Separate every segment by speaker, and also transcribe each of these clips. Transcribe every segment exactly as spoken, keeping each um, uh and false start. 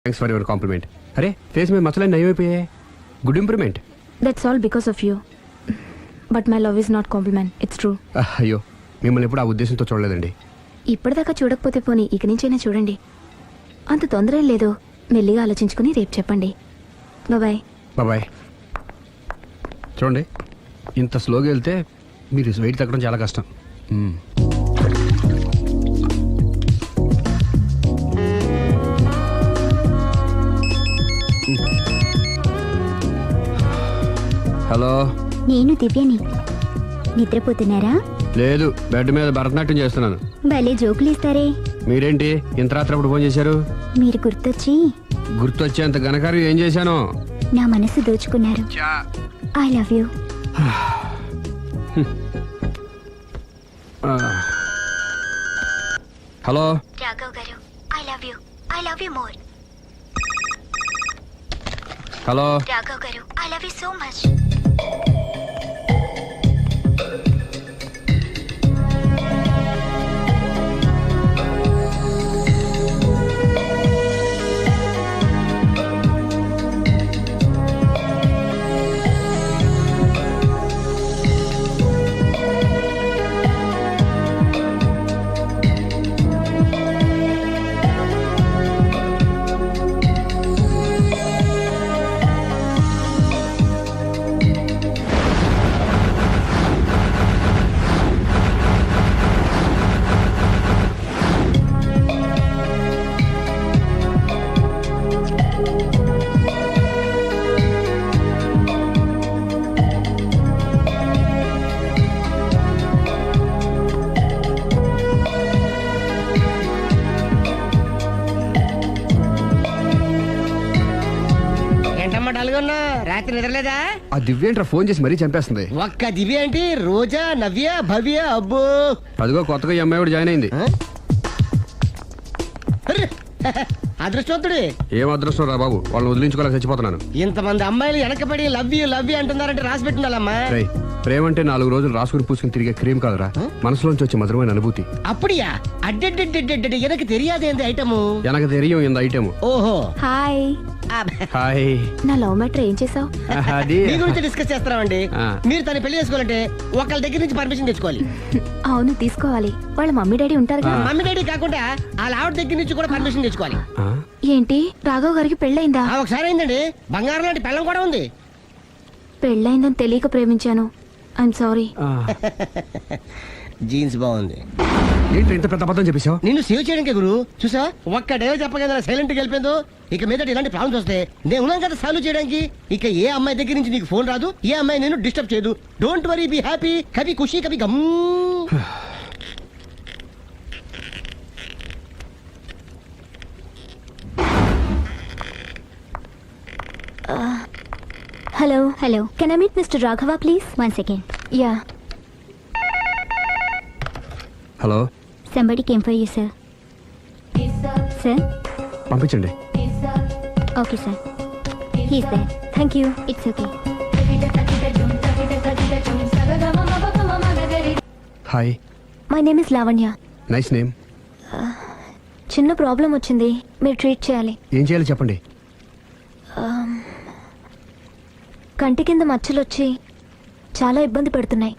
Speaker 1: Thanks for your compliment. అరే face మీద మచ్చలన్నీ నయమైపోయాయి. Good improvement.
Speaker 2: That's all because of you. But my love is not compliment, it's true.
Speaker 1: అయ్యో మిమ్మల్ని ఎప్పుడు ఆ ఉద్దేశంతో చూడలేదండి.
Speaker 2: ఇప్పటిదాకా చూడకపోతే పోనీ ఇక నుంచైనా చూడండి. అంత తొందర ఏం లేదు, మెల్లిగా ఆలోచించుకుని రేపు చెప్పండి. Bye
Speaker 1: bye. చూడండి ఇంత స్లోగా వెళ్తే మీరు వెయిట్ తగ్గడం చాలా కష్టం. మ్మ్. హలో,
Speaker 3: నేను దివ్యని. నిద్రపోతున్నారా?
Speaker 1: లేదు, బెడ్ మీద భరతనాట్యం చేస్తున్నాను.
Speaker 3: భలే జోకులు ఇస్తారే.
Speaker 1: మీరేంటి ఇంత రాత్రి అప్పుడు ఫోన్ చేశారు?
Speaker 3: మీరు గుర్తొచ్చి
Speaker 1: గుర్తొచ్చేంత ఘనకార్యం ఏం చేశాను?
Speaker 3: నా మనసు దోచుకున్నారు. I love you.
Speaker 1: Hello
Speaker 3: Raghav garu, I love you. I love you more.
Speaker 1: Hello
Speaker 3: Raghav garu, I love you so much.
Speaker 4: రాత్రి నిద్రలేదా?
Speaker 1: ఆ దివ్యేంట్రా ఫోన్ చేసి మరీ చంపేస్తుంది.
Speaker 4: ఒక్క దివ్య ఏంటి, రోజా, నవ్య, భవ్య, అబ్బో.
Speaker 1: అదిగో కొత్తగా ఈ అమ్మాయి కూడా జాయిన్ అయింది.
Speaker 4: అదృష్టవంతుడు.
Speaker 1: ఏం అదృష్టం రా బాబు, వాళ్ళని వదిలించుకోలేక చచ్చిపోతున్నాను.
Speaker 4: ఇంతమంది అమ్మాయిలు వెనకబడి లవ్ యూ లవ్ యూ అంటున్నారంటే రాసి పెట్టిండాలమ్మా.
Speaker 1: ప్రేమ అంటే నాలుగు రోజులు రాసుకుని పూసుకుని తిరిగే క్రీమ్ కాదురా, మనసులోంచి వచ్చే మధురమైన అనుభూతి.
Speaker 4: అప్పుడియా? అడ్డెడ్డెడ్డెడ్డెడ్ ఎనకు తెలియదేంది ఐటమ్.
Speaker 1: ఎనకు తెలియం ఇంత ఐటమ్.
Speaker 4: ఓహో
Speaker 2: హాయ్.
Speaker 1: హాయ్.
Speaker 2: నా లవ్ మ్యాటర్ ఏం చేసావు?
Speaker 1: అది
Speaker 4: మీ గురించి డిస్కస్ చేస్తామండి. మీరు తన పెళ్లి చేసుకోవాలంటే ఒకళ్ళ దగ్గర నుంచి పర్మిషన్ తెచ్చుకోవాలి.
Speaker 2: అవును తీసుకోవాలి, వాళ్ళ మమ్మీ డాడీ ఉంటారు కదా.
Speaker 4: మమ్మీ డాడీ కాకుండా వాళ్ళ ఆవిడ దగ్గర నుంచి కూడా పర్మిషన్ తెచ్చుకోవాలి.
Speaker 2: ఏంటి రాఘవ్ గారికి పెళ్ళయిందా?
Speaker 4: ఒకసారి అయిందండి, బంగారం లాంటి పెళ్ళం కూడా ఉంది.
Speaker 2: పెళ్ళయిందని తెలియక ప్రేమించాను, ఐఎమ్ సారీ.
Speaker 4: జీన్స్ బాగుంది.
Speaker 1: ఏంటి ఇంత పెద్ద అబద్ధం చెప్పేశావు?
Speaker 4: నిన్ను సేవ్ చేయడానికి గురు చూసా, ఒక్క డేవ్ చెప్పగల సైలెంట్ గా వెళ్ళిపోయిందో. ఇక మీద ఇలాంటి ప్రాబ్లమ్స్ వస్తే నేను ఉన్నాను కదా సాల్వ్ చేయడానికి. ఇక ఏ అమ్మాయి దగ్గర నుంచి నీకు ఫోన్ రాదు, ఏ అమ్మాయి నేను డిస్టర్బ్ చేయదు. Don't worry, be happy, Kabhi Khushi Kabhi Gham.
Speaker 3: Hello hello, can I meet mister Raghava please? One second. Yeah.
Speaker 1: Hello.
Speaker 3: Somebody came for you sir. Sir
Speaker 1: పంపించండి.
Speaker 3: Okay sir, he's there. Thank you. It's okay.
Speaker 1: Hi,
Speaker 3: my name is Lavanya.
Speaker 1: Nice name.
Speaker 3: చిన్న problem వచ్చింది, మీరు treat చేయాలి.
Speaker 1: ఏం చేయాలి చెప్పండి.
Speaker 3: కంటి కింద మచ్చలు వచ్చి చాలా ఇబ్బంది పెడుతున్నాయి.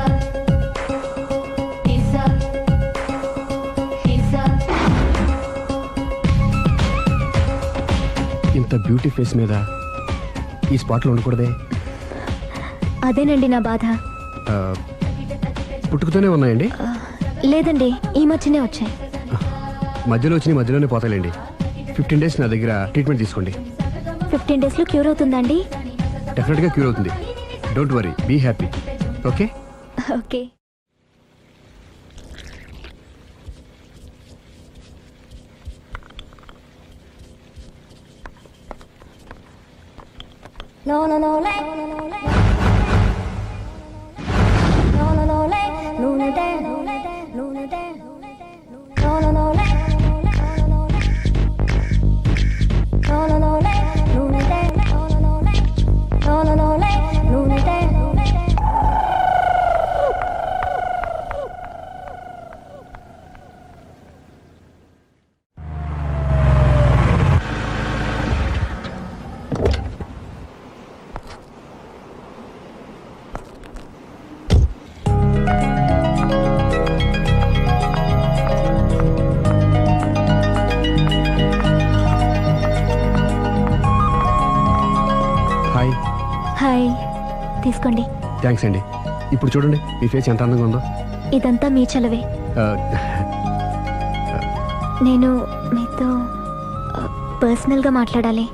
Speaker 1: ఇంత బ్యూటీ ఫేస్ మీద ఈ స్పాట్లో ఉండకూడదే.
Speaker 3: అదేనండి నా బాధ.
Speaker 1: ఆ, పుట్టుకతోనే ఉన్నాయండి?
Speaker 3: లేదండి, ఈ మధ్యనే వచ్చాయి.
Speaker 1: మధ్యలో వచ్చి మధ్యలోనే పోతాయండి. ఫిఫ్టీన్ డేస్ నా దగ్గర ట్రీట్మెంట్ తీసుకోండి.
Speaker 3: ఫిఫ్టీన్ డేస్లో క్యూర్ అవుతుందండి?
Speaker 1: డెఫినెట్గా క్యూర్ అవుతుంది. Don't worry, be happy. Okay
Speaker 3: okay. No no no le no no no le no no no le no no de no no de no no de no no no le no no no le no no de no no no le no no no le no no de.
Speaker 2: Hi, తీసుకోండి.
Speaker 1: Thanks అండి. ఇప్పుడు చూడండి మీ face ఎంత అందంగా ఉందో.
Speaker 2: ఇదంతా మీ చలవే.
Speaker 1: ఆ,
Speaker 2: నేను మీతో ఆ, పర్సనల్గా మాట్లాడాలి.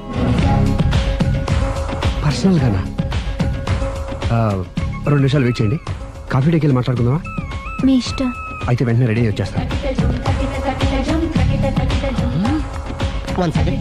Speaker 1: పర్సనల్గానా? ఆ, రెండు నిమిషాలు వెయిట్ చేయండి. కాఫీ డేకి వెళ్ళి మాట్లాడుకుందామా?
Speaker 2: మీ ఇష్టం.
Speaker 1: అయితే వెంటనే రెడీ అయ్యి వచ్చేస్తాను.
Speaker 4: One second.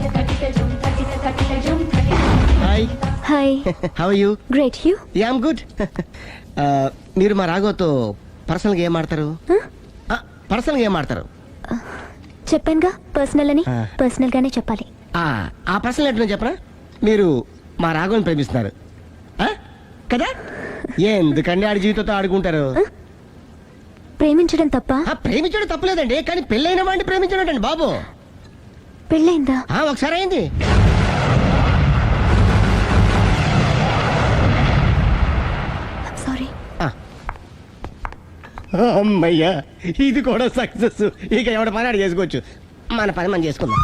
Speaker 4: Hi,
Speaker 2: hi.
Speaker 4: How you?
Speaker 2: Great. You?
Speaker 4: Am good. మీరు మా రాఘవతో పర్సనల్గా ఏం ఆడతారు? పర్సనల్గా ఏం ఆడతారు?
Speaker 2: చెప్పానుగా పర్సనల్ అని.
Speaker 4: ఆ.
Speaker 2: పర్సనల్ గానే చెప్పాలి.
Speaker 4: ఆ, ఆ పర్సనల్ ఏంటో చెప్పరా? మీరు మా రాఘవని ప్రేమిస్తున్నారు ఆ? కదా? ఎందుకండి ఆడి జీవితంతో ఆడుకుంటారు?
Speaker 2: ప్రేమించడం తప్ప?
Speaker 4: ఆ, ప్రేమించడం తప్పలేదండి, కానీ పెళ్ళైన వాడిని ప్రేమించడం అండి బాబు.
Speaker 2: పెళ్ళైందా?
Speaker 4: ఆ, ఒకసారి అయింది.
Speaker 2: సారీ.
Speaker 4: ఆ. అమ్మయ్యా, ఇది కూడా సక్సెస్. ఇక ఎవడ పని ఆడు చేసుకోవచ్చు, మన పని మనం చేసుకుందాం.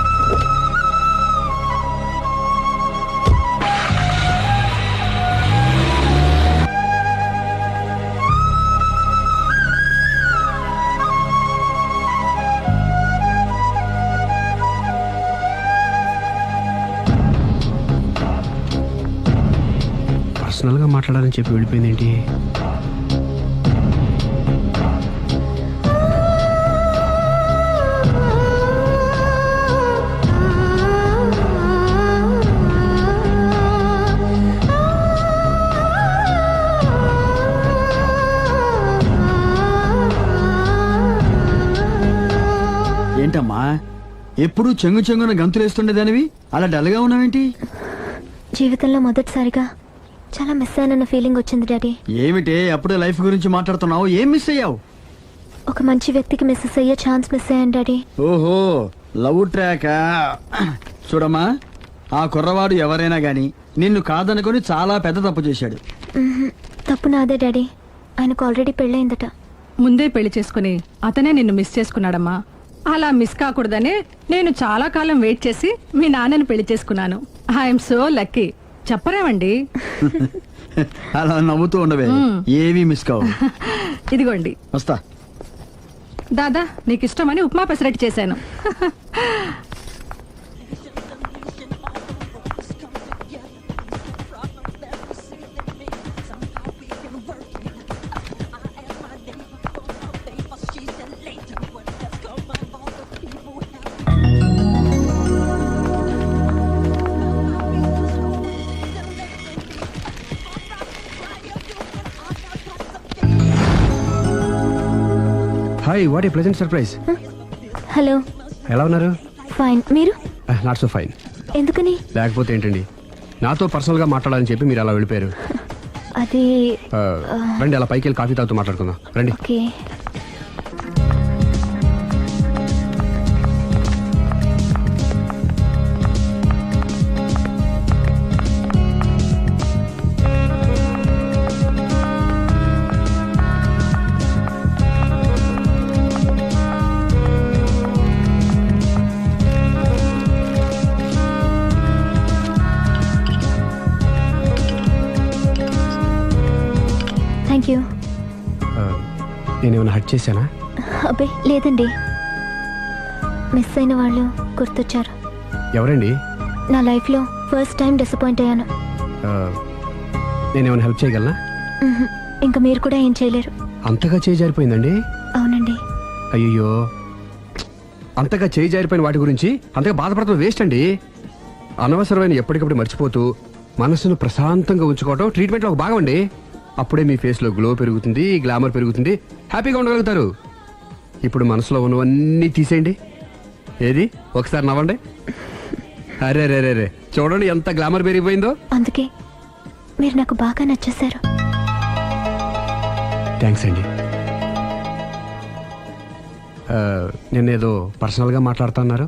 Speaker 1: పర్సనల్గా మాట్లాడాలని చెప్పి వెళ్ళిపోయింది ఏంటి?
Speaker 5: ఏంటమ్మా ఎప్పుడు చెంగు చెంగున గంతులేస్తుండేదానివి అలా డల్గా ఉన్నావేంటి?
Speaker 2: జీవితంలో మొదటిసారిగా చాలా మిస్ అయినన్న ఫీలింగ్ వచ్చింది డాడీ.
Speaker 5: ఏమిటే అప్పుడే లైఫ్ గురించి మాట్లాడుతున్నావు? ఏం మిస్ అయ్యావు?
Speaker 2: ఒక మంచి వ్యక్తికి మిస్సెస్ అయ్యే ఛాన్స్ మిస్ అయ్యాను డాడీ.
Speaker 5: ఓహో, లవ్ ట్రాక్. చూడమ్మా, ఆ కుర్రవాడు ఎవరైనా గాని నిన్ను కాదనుకొని చాలా పెద్ద తప్పు చేశాడు.
Speaker 2: మ్మ్హ్. తప్పు నాదే డాడీ. ఆయనకు ఆల్రెడీ పెళ్ళయిందట.
Speaker 6: ముందే పెళ్లి చేసుకుని అతనే నిన్ను మిస్ చేసుకున్నాడమ్మా. అలా మిస్ కాకూడదనే నేను చాలా కాలం వెయిట్ చేసి మీ నాన్నని పెళ్లి చేసుకున్నాను. I'm so lucky. చెప్పరేమండి?
Speaker 5: అలా నవ్వుతూ ఉండవే, ఏమీ మిస్ కావు.
Speaker 6: ఇదిగోండి.
Speaker 5: వస్తా.
Speaker 6: దాదా, నీకు ఇష్టమని ఉప్మా పెసరట్టు చేశాను.
Speaker 1: Hi, what a pleasant surprise.
Speaker 2: Hello.
Speaker 1: ఎలా ఉన్నారు?
Speaker 2: ఫైన్. మీరు?
Speaker 1: Not so fine.
Speaker 2: ఎందుకని?
Speaker 1: లేకపోతే ఏంటండి, నాతో పర్సనల్గా మాట్లాడాలని చెప్పి మీరు అలా వెళ్ళిపోయారు.
Speaker 2: అది
Speaker 1: ఆ, రండి, అలా పైకి వెళ్ళి కాఫీ తాగుతూ మాట్లాడుకుందాం. రండి.
Speaker 2: ఓకే. Thank you.
Speaker 1: ఆ, నేనేమైనా హట్ చేశానా?
Speaker 2: అబ్బే లేదండి, మిస్ అయిన వాళ్ళు గుర్తొచ్చారు.
Speaker 1: ఎవరండి?
Speaker 2: నా లైఫ్లో ఫస్ట్ టైం డిసప్పాయింట్ అయ్యాను.
Speaker 1: ఆ, నేనేమైనా హెల్ప్ చేయగలనా?
Speaker 2: మ్మ్హ్. ఇంకా మీరు కూడా ఏం చేయలేరు.
Speaker 1: అంతగా చేయి జారిపోయిందండి?
Speaker 2: అవునండి.
Speaker 1: అయ్యో, అంతగా చేయి జారిపోయిన వాటి గురించి అంతగా బాధపడటం వేస్ట్ అండి. అనవసరమైన ఎప్పటికప్పుడు మర్చిపోతూ మనసును ప్రశాంతంగా ఉంచుకోవటం ట్రీట్మెంట్లో ఒక భాగం అండి. అప్పుడే మీ ఫేస్లో గ్లో పెరుగుతుంది, గ్లామర్ పెరుగుతుంది, హ్యాపీగా ఉండగలుగుతారు. ఇప్పుడు మనసులో ఉన్నవన్నీ తీసేయండి. ఏది, ఒకసారి నవ్వండి. అరే రే రే రే, చూడండి ఎంత గ్లామర్ పెరిగిపోయిందో.
Speaker 2: అందుకే మీరు నాకు బాగా నచ్చేశారు.
Speaker 1: థ్యాంక్స్ అండి. ఆ, నేనేదో పర్సనల్గా మాట్లాడుతున్నారు.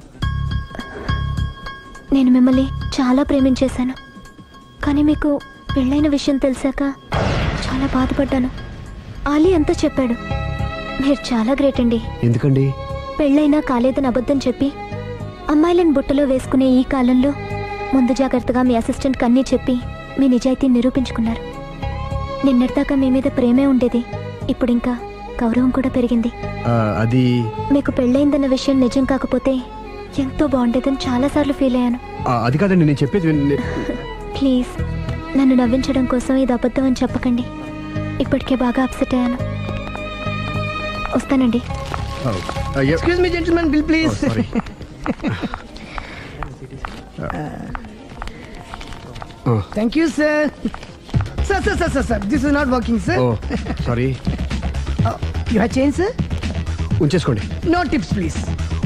Speaker 2: నేను మిమ్మల్ని చాలా ప్రేమించేశాను, కానీ మీకు పెళ్ళైన విషయం తెలిసాక చాలా బాధపడ్డాను. ఆలీ అంతా చెప్పాడు. మీరు చాలా గ్రేట్ అండి.
Speaker 1: ఎందుకండి?
Speaker 2: పెళ్ళైనా కాలేదని అబద్ధం చెప్పి అమ్మాయిలను బుట్టలో వేసుకునే ఈ కాలంలో ముందు జాగ్రత్తగా మీ అసిస్టెంట్కి అన్నీ చెప్పి మీ నిజాయితీ నిరూపించుకున్నారు. నిన్నటిదాకా మీ మీద ప్రేమే ఉండేది, ఇప్పుడు ఇంకా గౌరవం కూడా పెరిగింది.
Speaker 1: ఆ, అది
Speaker 2: మీకు పెళ్ళయిందన్న విషయం నిజం కాకపోతే ఎంతో బాగుండేదని చాలాసార్లు ఫీల్ అయ్యాను.
Speaker 1: ఆ, అది కాదండి నేను చెప్పేది విన్-
Speaker 2: ప్లీజ్ నన్ను నవ్వించడం కోసం ఇది అబద్ధం అని చెప్పకండి. ఇప్పటికే బాగా అప్సెట్ అయ్యాను. వస్తానండి.
Speaker 1: ఆ, ఆ, ఎ-
Speaker 4: excuse me gentlemen, bill
Speaker 1: oh,
Speaker 4: please.
Speaker 1: Sorry. ఆ,
Speaker 4: thank you sir. Sir sir sir sir sir this is not working sir.
Speaker 1: Oh sorry,
Speaker 4: you have change sir?
Speaker 1: ఉంచేసుకోండి.
Speaker 4: No tips please.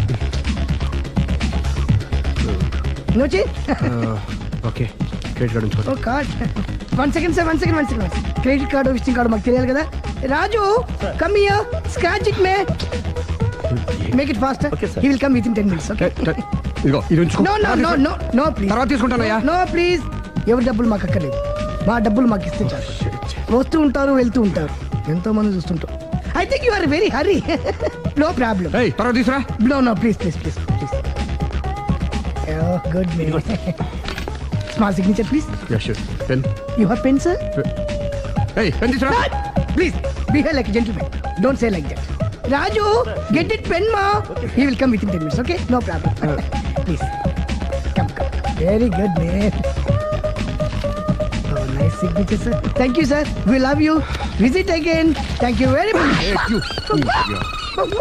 Speaker 4: No change?
Speaker 1: ఆ, okay, credit card ఉంచుకోండి.
Speaker 4: Oh card. One second sir, one second one second credit card visiting card మాకు తెలియాలి కదా. Raju come here, scratch it మే, make it fast. He will come with in ten minutes. Okay?
Speaker 1: ట- ట- ఇదిగో ఇది ఉంచుకో.
Speaker 4: No no no no no please.
Speaker 1: తర్వాత తీసుకుంటానయ్యా.
Speaker 4: నో ప్లీజ్, ఎవరి డబ్బులు మాకు అక్కర్లేదు. మా డబ్బులు మాకు ఇస్తే చాలు. వస్తూ ఉంటారు, వెళ్తూ ఉంటారు, ఎంతో మంది చూస్తుంటారు. I think you are very hurry. No problem.
Speaker 1: ఏయ్, తర్వాత తీసురా.
Speaker 4: No no please please please please. Good may. Small signature please.
Speaker 1: Yeah sure. Pen.
Speaker 4: You have pen sir?
Speaker 1: ఏయ్, పెన్ తీసురా.
Speaker 4: Please, behave like a gentleman. Don't say like that. Raju, get it pen, ma. He will come within ten minutes, okay? No problem. Please. Come, come. Very good, man. Oh, nice signature, sir. Thank you, sir. We love you. Visit again. Thank you very much.
Speaker 1: Hey, you. Yeah.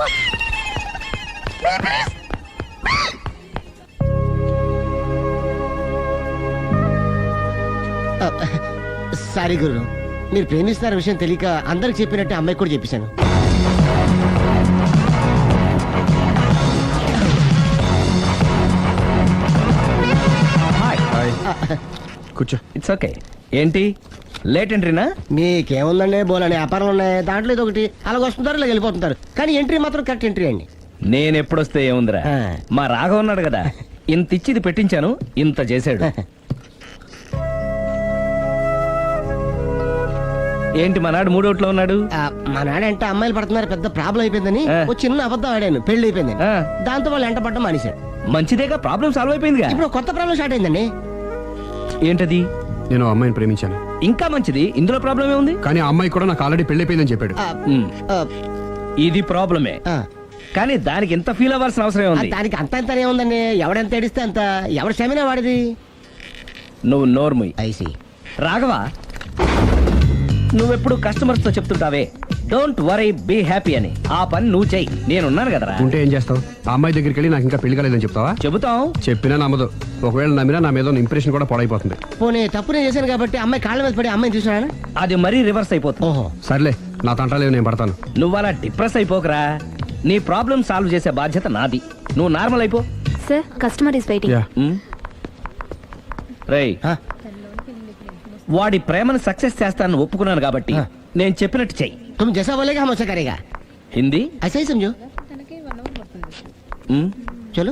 Speaker 4: Sorry guru, మీరు ప్రేమిస్తున్న విషయం తెలియక అందరికి చెప్పినట్టే అమ్మాయికి కూడా చెప్పేశాను.
Speaker 1: Hi. కూర్చో.
Speaker 7: It's okay. ఏంటి లేట్ ఎంట్రీనా?
Speaker 4: మీకేముందండి, బోలని వ్యాపారాలు ఉన్నాయి, దాంట్లో ఇది ఒకటి అలాగ వస్తుంటారు ఇలా వెళ్ళిపోతుంటారు, కానీ ఎంట్రీ మాత్రం కరెక్ట్ ఎంట్రీ అండి.
Speaker 7: నేను ఎప్పుడొస్తే ఏముందిరా,
Speaker 4: ఆ.
Speaker 7: మా రాఘవ ఉన్నాడు కదా, ఇంత ఇచ్చిది పెట్టించాను, ఇంత చేశాడు. ఏంటి మనాడు మూడోట్లో ఉన్నాడు?
Speaker 4: ఆ, మా నాడంటే అమ్మాయిలు పడుతున్నారు, పెద్ద ప్రాబ్లం అయిపోయిందని
Speaker 7: ఆ.
Speaker 4: ఒక చిన్న అబద్ధం ఆడాను, పెళ్లి అయిపోయింది.
Speaker 7: ఆ.
Speaker 4: దాంతో వాళ్ళు ఎంట పడడం మానేశారు.
Speaker 7: మంచిదేగా, ప్రాబ్లం సాల్వ్ అయిపోయిందిగా.
Speaker 4: ఇప్పుడు కొత్త ప్రాబ్లం స్టార్ట్ అయిందండి.
Speaker 7: ఏంటది?
Speaker 1: నేను ఆ అమ్మాయిని ప్రేమించాను,
Speaker 7: ఇంకా మంచిది, ఇందులో ప్రాబ్లం ఏముంది?
Speaker 1: కానీ ఆ అమ్మాయి కూడా నాకు ఆల్రెడీ పెళ్ళైపోయిందని చెప్పాడు.
Speaker 4: ఆ,
Speaker 7: ఉమ్,
Speaker 4: ఆ,
Speaker 7: ఇది ప్రాబ్లమే,
Speaker 4: ఆ.
Speaker 7: కానీ దానికి ఎంత ఫీల్ అవ్వాల్సిన అవసరం
Speaker 4: ఆ,
Speaker 7: ఉంది?
Speaker 4: దానికి అంత అంత ఏముందండి, ఎవడెంత ఏడిస్తే అంత, ఎవరి క్షమినా వాడిది.
Speaker 7: నువ్వు నోర్ముయ్.
Speaker 4: ఐసి
Speaker 7: రాఘవ, నువ్వెప్పుడు కస్టమర్స్ తో చెప్తుంటావే డోంట్ వరీ బీ హ్యాపీ అని, ఆ పని నువ్వు చెయ్యి, నేనున్నాను కదరా.
Speaker 1: ఉంటే ఏం చేస్తావు? ఆ అమ్మాయి దగ్గరికి వెళ్ళి నాకు ఇంకా పెళ్లి కాలేదని చెప్తావా?
Speaker 7: చెబుతాం.
Speaker 1: చెప్పినా నమ్మదు. ఒకవేళ నమ్మినా నా మీద ఇంప్రెషన్ కూడా పాడైపోతుంది.
Speaker 4: పోనీ తప్పు నేను చేశాను కాబట్టి అమ్మాయి కాళ్ళ మీద పడి అమ్మాయిని చూసినా.
Speaker 7: అది మరీ రివర్స్ అయిపోతుంది.
Speaker 4: ఓహో,
Speaker 1: సర్లే, నా తంటాలేవు, నేను పడతాను.
Speaker 7: నువ్వు అలా డిప్రెస్ అయిపోకరా, నీ ప్రాబ్లం సాల్వ్ చేసే బాధ్యత నాది, నువ్వు నార్మల్ అయిపో.
Speaker 2: Sir, customer is waiting.
Speaker 1: Yeah.
Speaker 7: రేయ్,
Speaker 4: ఆ,
Speaker 7: వాడి ప్రేమను సక్సెస్ చేస్తానని ఒప్పుకున్నాను కాబట్టి
Speaker 4: ఆ.
Speaker 7: నేను చెప్పినట్టు చెయ్యి.
Speaker 4: तुम जैसा बोलेगा हम वैसा करेगा.
Speaker 7: హిందీ
Speaker 4: ऐसा ही समझो.
Speaker 7: ఉమ్,
Speaker 4: चलो.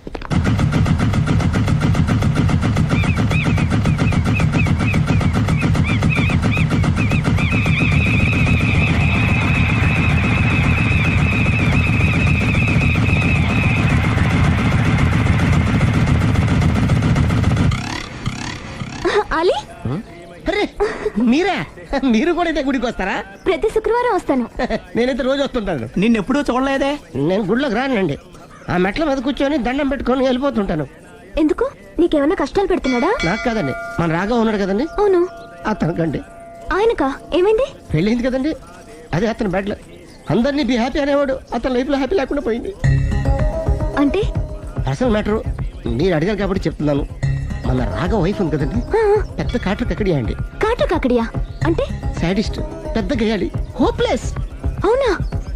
Speaker 2: అలీ,
Speaker 4: అరే మీరా, మీరు కూడా అయితే గుడికి వస్తారా?
Speaker 2: ప్రతి శుక్రవారం వస్తాను.
Speaker 4: నేనైతే రోజు వస్తుంటాను.
Speaker 7: నిన్నెప్పుడూ చూడలేదే.
Speaker 4: నేను గుడిలోకి రానండి, ఆ మెట్ల మీద కూర్చొని దండం పెట్టుకొని వెళ్ళిపోతుంటాను.
Speaker 2: ఎందుకు? నీకేమైనా కష్టాలు పెడుతున్నాడా?
Speaker 4: నాకు కదండి, మన రాగా ఉన్నాడు కదండి,
Speaker 2: అవును.
Speaker 4: అతనికండి
Speaker 2: ఆయనకా ఏమైంది?
Speaker 4: పెళ్ళైంది కదండి, అదే అతని బెడ్లో అందరినీ బి హ్యాపీ అనేవాడు, అతని లైఫ్లో హ్యాపీ లేకుండా పోయింది.
Speaker 2: అంటే
Speaker 4: అసలు మ్యాటరు మీరు అడిగారు కాబట్టి చెప్తున్నాను. మన రాగ వైఫ్ ఉంది కదండి,
Speaker 2: ఆ,
Speaker 4: పెద్ద కాటు కక్కడియా అండి,
Speaker 2: కాటు కాకడియా అంటే?
Speaker 4: సాడిస్ట్, పెద్ద గేయాలి, హోప్లెస్.
Speaker 2: అవునా?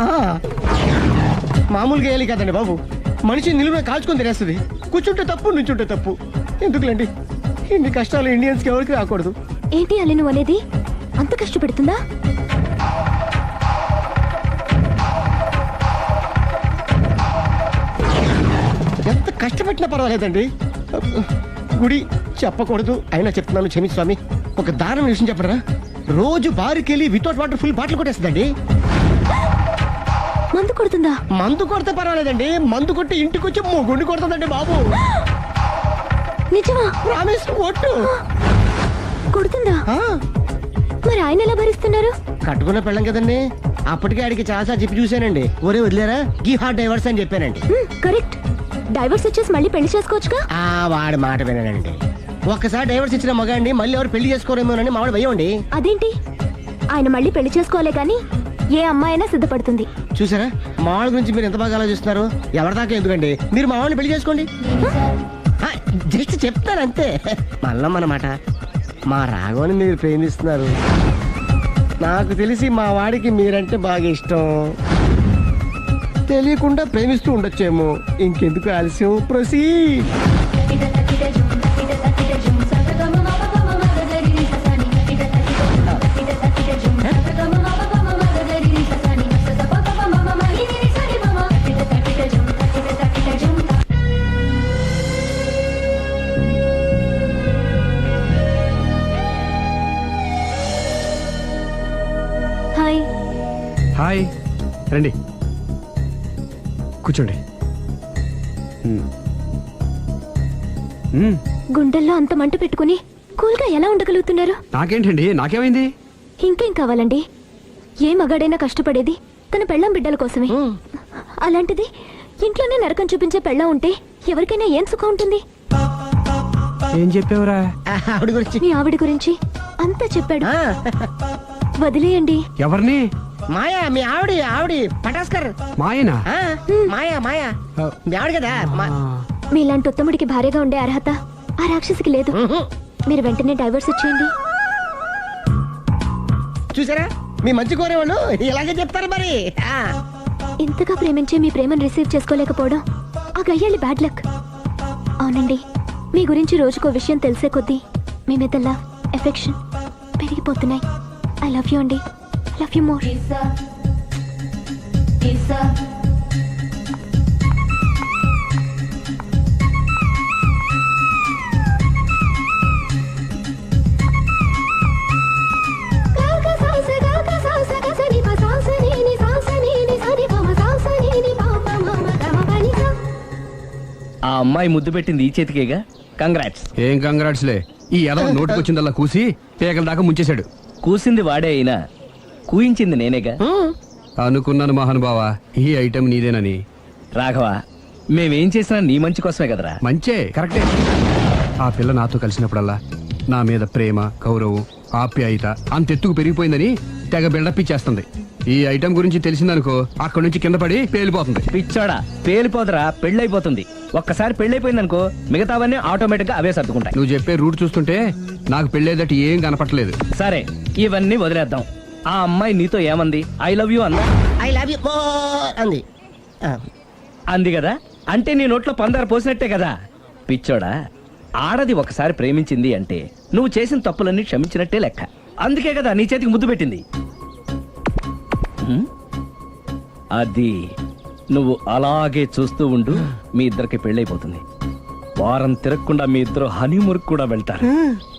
Speaker 4: మామూలుగా గేయాలి కదండి బాబు, మనిషి నిలువున కాల్చుకొని తినేస్తుంది. కూర్చుంటే తప్పు, నుంచుంటే తప్పు. ఎందుకులేండి, ఇన్ని కష్టాలు ఇండియన్స్కి ఎవరికి రాకూడదు.
Speaker 2: ఏంటి అలీ నువ్వు అనేది? అంత కష్టపెడుతుందా?
Speaker 4: ఎంత కష్టపెట్టినా పర్వాలేదండి. గుడి చెప్పకూడదు, అయినా చెప్తున్నాను, క్షమి స్వామి. ఒక దారుణ విషయం చెప్పరా, రోజు బారుకెళ్ళి వితౌట్ వాటర్ ఫుల్ బాటిల్ కొట్టేస్తుందండి.
Speaker 2: మందు కొడుతుందా?
Speaker 4: మందు కొడితే పర్వాలేదండి, మందు కొట్టి ఇంటికి వచ్చి మొగుండి కొడుతుందండి బాబు.
Speaker 2: నిజమా?
Speaker 4: ప్రామిస్, ఒట్టు.
Speaker 2: కొడుతుందా
Speaker 4: ఆ,
Speaker 2: మరి ఆయన ఎలా భరిస్తున్నారు?
Speaker 4: కట్టుకున్న పెళ్ళం కదండి. అప్పటికే ఆడికి చాలాసార్లు చెప్పి చూశానండి. ఒరే వదిలేరా గీ హార్ట్ డైవర్స్ అని చెప్పానండి.
Speaker 2: హ్మ్, కరెక్ట్. డైవర్స్ వచ్చేసి మళ్ళీ పెళ్లి చేసుకోవచ్చుగా.
Speaker 4: ఆ వాడి మాట వినండి. ఒక్కసారి డైవర్స్ ఇచ్చిన మగాండి మళ్ళీ ఎవరు పెళ్లి చేసుకోరేమోనని మావాడు భయం అండి.
Speaker 2: అదేంటి, ఆయన మళ్ళీ పెళ్లి చేసుకోలే కానీ ఏ అమ్మాయి అయినా సిద్ధపడుతుంది.
Speaker 4: చూసారా మావాడి గురించి మీరు ఎంత బాగా ఆలోచిస్తున్నారు. ఎవరి దాకా ఎందుకండి, మీరు మావాడిని పెళ్లి చేసుకోండి. ఆ, జస్ట్ చెప్తాను అంతే. మళ్ళా మన మాట మా రాఘవని మీరు ప్రేమిస్తున్నారు. నాకు తెలిసి మా వాడికి మీరంటే బాగా ఇష్టం. తెలియకుండా ప్రేమిస్తూ ఉండొచ్చేమో. ఇంకెందుకు ఆలస్యం, ప్రొసీడ్.
Speaker 2: హాయ్.
Speaker 1: హాయ్, రండి కూర్చోండి. మ్మ్. మ్మ్.
Speaker 2: గుండెల్లో అంత మంట పెట్టుకుని కూల్గా ఎలా ఉండగలుగుతున్నారు?
Speaker 1: నాకేంటండి, నాకేమైంది?
Speaker 2: ఇంకేం కావాలండి? ఏ మగాడైనా కష్టపడేది తన పెళ్ళం బిడ్డల కోసమే. అలాంటిది ఇంట్లోనే నరకం చూపించే పెళ్ళం ఉంటే ఎవరికైనా ఏం సుఖం ఉంటుంది?
Speaker 1: ఏం చెప్పావురా?
Speaker 4: ఆవిడ గురించి
Speaker 2: మీ ఆవిడ గురించి అంతా చెప్పాడు.
Speaker 4: ఆ,
Speaker 2: వదిలేయండి.
Speaker 1: ఎవరిని?
Speaker 4: మాయా మీ ఆవిడ ఆవిడ పటాస్కర్.
Speaker 1: మాయనా?
Speaker 4: ఆ, మాయా మాయా మీ ఆవిడ కదా మా-
Speaker 2: మీలాంటి ఉత్తముడికి భార్యగా ఉండే అర్హత ఆ రాక్షసికి లేదు.
Speaker 4: ఉహు.
Speaker 2: మీరు వెంటనే డైవర్స్ ఇచ్చేయండి.
Speaker 4: చూసారా మీ మంచి కోరేవాళ్ళు ఇలాగే చెప్తారు మరి. ఆ,
Speaker 2: ఇంతగా ప్రేమించే మీ ప్రేమను రిసీవ్ చేసుకోలేకపోవడం ఆ గయ్యాలి బ్యాడ్ లక్. అవునండి, మీ గురించి రోజుకో విషయం తెలిసే కొద్దీ మీ మీద లవ్, ఎఫెక్షన్ పెరిగిపోతున్నాయి. ఐ లవ్ యూ అండి. I love you more.
Speaker 7: ఆ అమ్మాయి ముద్దు పెట్టింది ఈ చేతికేగా. కంగ్రాట్స్.
Speaker 1: ఏం కంగ్రాట్స్లే, ఈ ఎదవ నోటికొచ్చిందల్లా కూసి పేకల దాకా ముంచేశాడు.
Speaker 7: కూసింది వాడే అయినా కూయించింది నేనేగా.
Speaker 1: అనుకున్నాను మహానుభావా, ఈ ఐటెం నీదేనని.
Speaker 7: రాఘవ, మేమేం చేసినా నీ మంచి కోసమే కదరా.
Speaker 1: మంచే, కరెక్టే. ఆ పిల్ల నాతో కలిసినప్పుడల్లా నా మీద ప్రేమ, గౌరవం, ఆప్యాయత అంతెత్తుకు పెరిగిపోయిందని తెగ బిల్డప్ ఇచ్చేస్తుంది. ఈ ఐటెం గురించి తెలిసిందనుకో అక్కడి నుంచి కింద పడి పేలిపోతుంది.
Speaker 7: పిచ్చోడా, పేలిపోదరా, పెళ్ళైపోతుంది. ఒక్కసారి పెళ్ళైపోయిందనుకో మిగతావన్నీ ఆటోమేటిక్ గా అవే సర్దుకుంటాయి.
Speaker 1: నువ్వు చెప్పే రూట్ చూస్తుంటే నాకు పెళ్ళేదట ఏం కనపట్లేదు.
Speaker 7: సరే, ఇవన్నీ వదిలేద్దాం. ఆ అమ్మాయి నీతో ఏమంది? ఐ లవ్ యూ అందా?
Speaker 4: ఐ లవ్ యూ అంది. ఆ,
Speaker 7: అంది కదా, అంటే నీ నోట్లో పందారు పోసినట్టే కదా. పిచ్చోడా, ఆడది ఒకసారి ప్రేమించింది అంటే నువ్వు చేసిన తప్పులన్నీ క్షమించినట్టే లెక్క. అందుకే కదా నీ చేతికి ముద్దు పెట్టింది. హ్మ్? అది నువ్వు అలాగే చూస్తూ ఉండు, మీ ఇద్దరికి పెళ్ళైపోతుంది. వారం తిరగకుండా మీ ఇద్దరు హనీమూర్ కూడా వెళ్తారు.